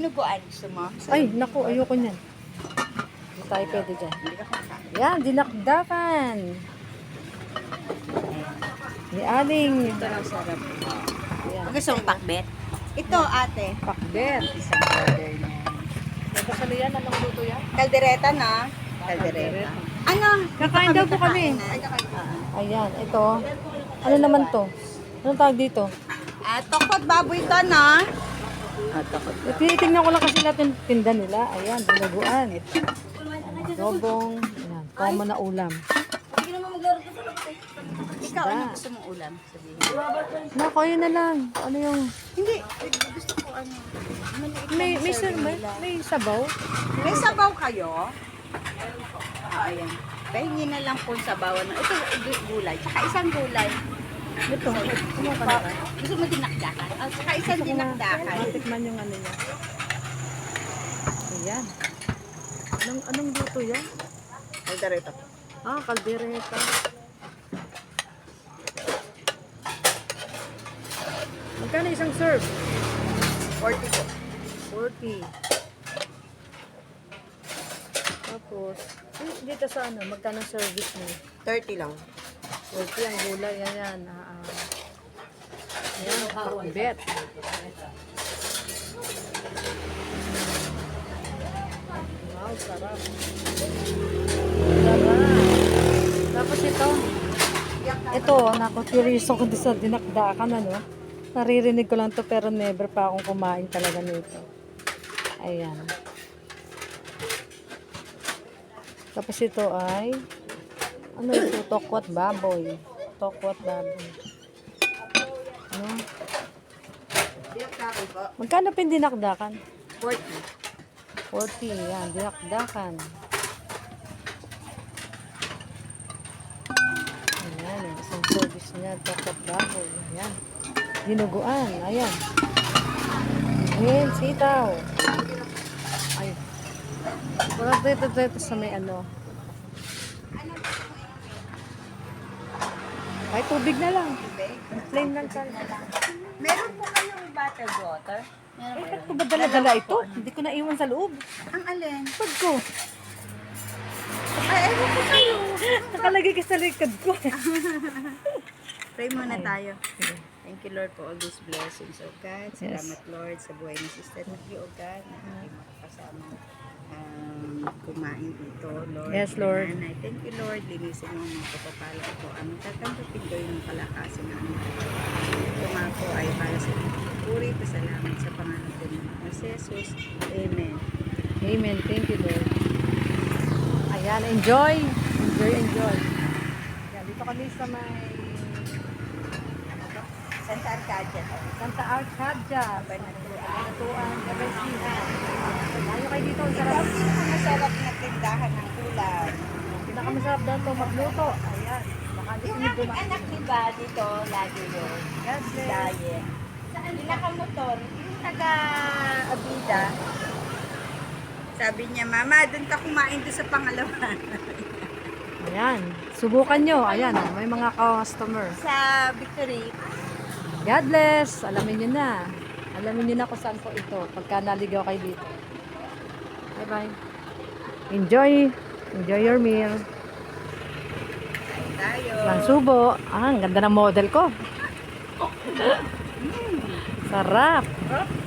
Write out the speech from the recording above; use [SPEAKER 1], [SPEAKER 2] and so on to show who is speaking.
[SPEAKER 1] Dinuguan, gusto mo?
[SPEAKER 2] Ay, naku, ayoko niyan. Hindi tayo pwede dyan. Yan, dinakdakan. Ni Aling.
[SPEAKER 1] Ito lang sarap.
[SPEAKER 2] Yan,
[SPEAKER 1] Gusto mong pakbet? Ito, ate.
[SPEAKER 2] pakbet.
[SPEAKER 1] Isang order na.
[SPEAKER 2] Nagkasali yan, anong luto yan?
[SPEAKER 1] Kaldereta na. Kaldereta. Ano?
[SPEAKER 2] Kakain daw po kami. Ayan, ito. Ano naman to? Anong tawag dito?
[SPEAKER 1] Tokot baboy ka na. Tokot.
[SPEAKER 2] Tinitingnan ko lang kasi lahat yung tinda nila. Ayan, dinaguan. Dobong. Ayan, common na ulam.
[SPEAKER 1] Ikaw, ano gusto mong ulam? Sabihin.
[SPEAKER 2] Naku, yun na lang. Ano yung...
[SPEAKER 1] Hindi. Gusto ko ano.
[SPEAKER 2] May sabaw?
[SPEAKER 1] May sabaw kayo? Ayan. Pahingin na lang po sabawan. Ito, gulay. Tsaka isang gulay.
[SPEAKER 2] Ito. Ano ka na?
[SPEAKER 1] Gusto mo dinakdakan? Tsaka isang dinakdakan.
[SPEAKER 2] Tikman yung ano niya. Ayan. Anong luto yan?
[SPEAKER 1] Kaldereta.
[SPEAKER 2] Kaldereta. Magkano isang serve?
[SPEAKER 1] 40 po.
[SPEAKER 2] 40. Tapos, dito sa ano, magkano service mo?
[SPEAKER 1] 30 lang.
[SPEAKER 2] 40 ang gulay, ayan. Ayan, pakbet. Wow, sarap. Sarap. Tapos ito, naku, curious ako sa dinakdakan, ano. Naririnig ko lang to pero never pa akong kumain talaga nito. Ayan. Tapos ito ay ano ito? Tokwat baboy. Tokwat baboy. Ano? Magkano pa yung dinakdakan?
[SPEAKER 1] 40.
[SPEAKER 2] 40. Yan, dinakdakan. Ayan, yung isang service niya. Tokwat baboy. Ayan. Dinuguan. Ayan. Ayan, sitaw. Ay. Wala dito sa may ano. Ay, tubig na lang. Plain lang sana.
[SPEAKER 1] Meron po kayong bottled water?
[SPEAKER 2] Eh, ba't ko ba dala-dala ito? Hindi ko naiwan sa loob.
[SPEAKER 1] Ang alin?
[SPEAKER 2] Pag ko.
[SPEAKER 1] Ay, ewan ko kayo.
[SPEAKER 2] Nakalagay ka sa likod ko.
[SPEAKER 1] Pray muna tayo. Thank you, Lord, for all these blessings, O God. Salamat, Lord, sa buhay ni Sister Nikki, O God, na aking makakasama kumain ito, Lord.
[SPEAKER 2] Yes, Lord.
[SPEAKER 1] And I thank you, Lord. Linisin mo ang mga kapapala ko. Anong tatanggapin ko yung kalakasin na ano. Ito nga po ay para sa puri, pasalamat sa pangalan ko ng Jesus. Amen.
[SPEAKER 2] Amen. Thank you, Lord. Ayan, enjoy. Enjoy. Ayan, dito kami sa may
[SPEAKER 1] Santa Arcadia.
[SPEAKER 2] Santa Arcadia. Banatuan, Gabaysihan. Layo kayo dito. Ang sarap.
[SPEAKER 1] Ang pinakamasarap na tindahan ng ulam.
[SPEAKER 2] Pinakamasarap daw ito magluto. Ayan. Baka gusto
[SPEAKER 1] Yung
[SPEAKER 2] niyo
[SPEAKER 1] aking
[SPEAKER 2] dumaan.
[SPEAKER 1] anak, diba, dito, lagi yun.
[SPEAKER 2] God bless.
[SPEAKER 1] Diet. Saan pinakamotor? Yung taga-Abida. Sabi niya, Mama, doon ka kumain doon sa pangalawa.
[SPEAKER 2] Ayan. Subukan nyo. Ayan. May mga customer.
[SPEAKER 1] Sa Victory.
[SPEAKER 2] God bless. Alamin nyo na. Alamin nyo na kung saan po ito. Pagka naligaw kayo dito. Bye-bye. Enjoy. Enjoy your meal.
[SPEAKER 1] Tayo.
[SPEAKER 2] Lang subo. Ang ganda ng model ko. Sarap.